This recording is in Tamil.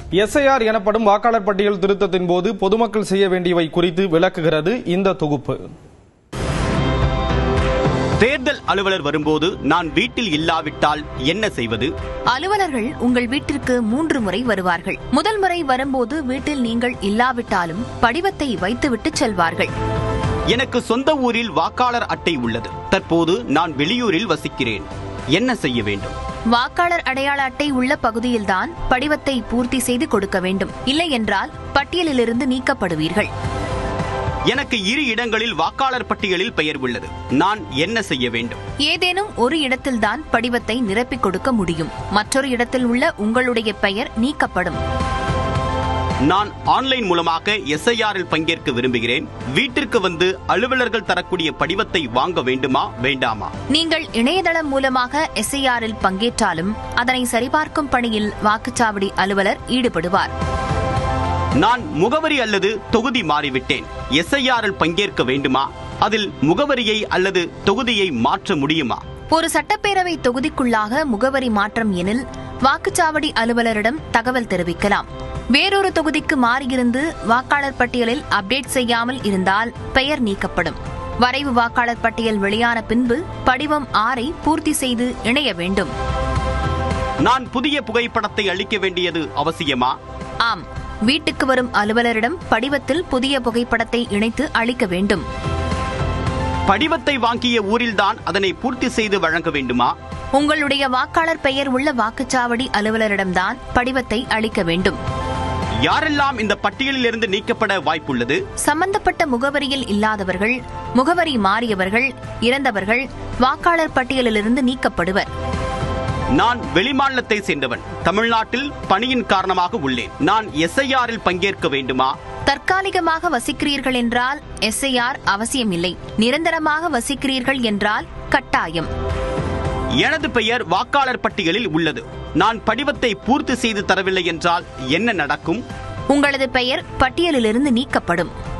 எஸ்ஐஆர் எனப்படும் வாக்காளர் பட்டியல் திருத்தத்தின் போது பொதுமக்கள் செய்ய வேண்டியவை குறித்து விளக்குகிறது இந்த தொகுப்பு. தேர்தல் அலுவலர் வரும்போது நான் வீட்டில் இல்லாவிட்டால் என்ன செய்வது? அலுவலர்கள் உங்கள் வீட்டிற்கு 3 முறை வருவார்கள். முதல் முறை வரும்போது வீட்டில் நீங்கள் இல்லாவிட்டாலும் படிவத்தை வைத்துவிட்டு செல்வார்கள். எனக்கு சொந்த ஊரில் வாக்காளர் அட்டை உள்ளது. தற்போது நான் வெளியூரில் வசிக்கிறேன். என்ன செய்ய வேண்டும்? வாக்காளர் அடையாள அட்டை உள்ள பகுதியில்தான் படிவத்தை பூர்த்தி செய்து கொடுக்க வேண்டும். இல்லை என்றால் பட்டியலிலிருந்து நீக்கப்படுவீர்கள். எனக்கு 2 இடங்களில் வாக்காளர் பட்டியலில் பெயர் உள்ளது. நான் என்ன செய்ய வேண்டும்? ஏதேனும் ஒரு இடத்தில்தான் படிவத்தை நிரப்பிக் கொடுக்க முடியும். மற்றொரு இடத்தில் உள்ள உங்களுடைய பெயர் நீக்கப்படும். நான் ஆன்லைன் மூலமாக எஸ்ஐஆரில் பங்கேற்க விரும்புகிறேன். வீட்டிற்கு வந்து அலுவலர்கள் தரக்கூடிய படிவத்தை வாங்க வேண்டுமா வேண்டாமா? நீங்கள் இணையதளம் மூலமாக எஸ்ஐஆரில் பங்கேற்றாலும் அதனை சரிபார்க்கும் பணியில் வாக்குச்சாவடி அலுவலர் ஈடுபடுவார். நான் முகவரி அல்லது தொகுதி மாறிவிட்டேன். எஸ்ஐஆரில் பங்கேற்க வேண்டுமா? அதில் முகவரியை அல்லது தொகுதியை மாற்ற முடியுமா? ஒரு சட்டப்பேரவை தொகுதிக்குள்ளாக முகவரி மாற்றம் எனில் வாக்குச்சாவடி அலுவலரிடம் தகவல் தெரிவிக்கலாம். வேறொரு தொகுதிக்கு மாறியிருந்து வாக்காளர் பட்டியலில் அப்டேட் செய்யாமல் இருந்தால் பெயர் நீக்கப்படும். வரைவு வாக்காளர் பட்டியல் வெளியான பின்பு படிவம் 6 பூர்த்தி செய்து இணைய வேண்டும். நான் புதிய புகைப்படத்தை அளிக்க வேண்டியது அவசியமா? ஆம், வீட்டுக்கு வரும் அலுவலரிடம் படிவத்தில் புதிய புகைப்படத்தை இணைத்து அளிக்க வேண்டும். படிவத்தை வாங்கிய ஊரில்தான் அதனை பூர்த்தி செய்து வழங்க வேண்டுமா? உங்களுடைய வாக்காளர் பெயர் உள்ள வாக்குச்சாவடி அலுவலரிடம்தான் படிவத்தை அளிக்க வேண்டும். யாரெல்லாம் இந்த பட்டியலில் இருந்து நீக்கப்பட வாய்ப்புள்ளது? சம்பந்தப்பட்ட முகவரியில் இல்லாதவர்கள், முகவரி மாறியவர்கள், இறந்தவர்கள் வாக்காளர் பட்டியலிலிருந்து நீக்கப்படுவர். நான் வெளிமாநிலத்தை சேர்ந்தவன். தமிழ்நாட்டில் பணியின் காரணமாக உள்ளேன். நான் எஸ்ஐஆரில் பங்கேற்க வேண்டுமா? தற்காலிகமாக வசிக்கிறீர்கள் என்றால் எஸ்ஐஆர் அவசியமில்லை. நிரந்தரமாக வசிக்கிறீர்கள் என்றால் கட்டாயம். எனது பெயர் வாக்காளர் பட்டியலில் உள்ளது. நான் படிவத்தை பூர்த்தி செய்து தரவில்லை என்றால் என்ன நடக்கும்? உங்களது பெயர் பட்டியலிலிருந்து நீக்கப்படும்.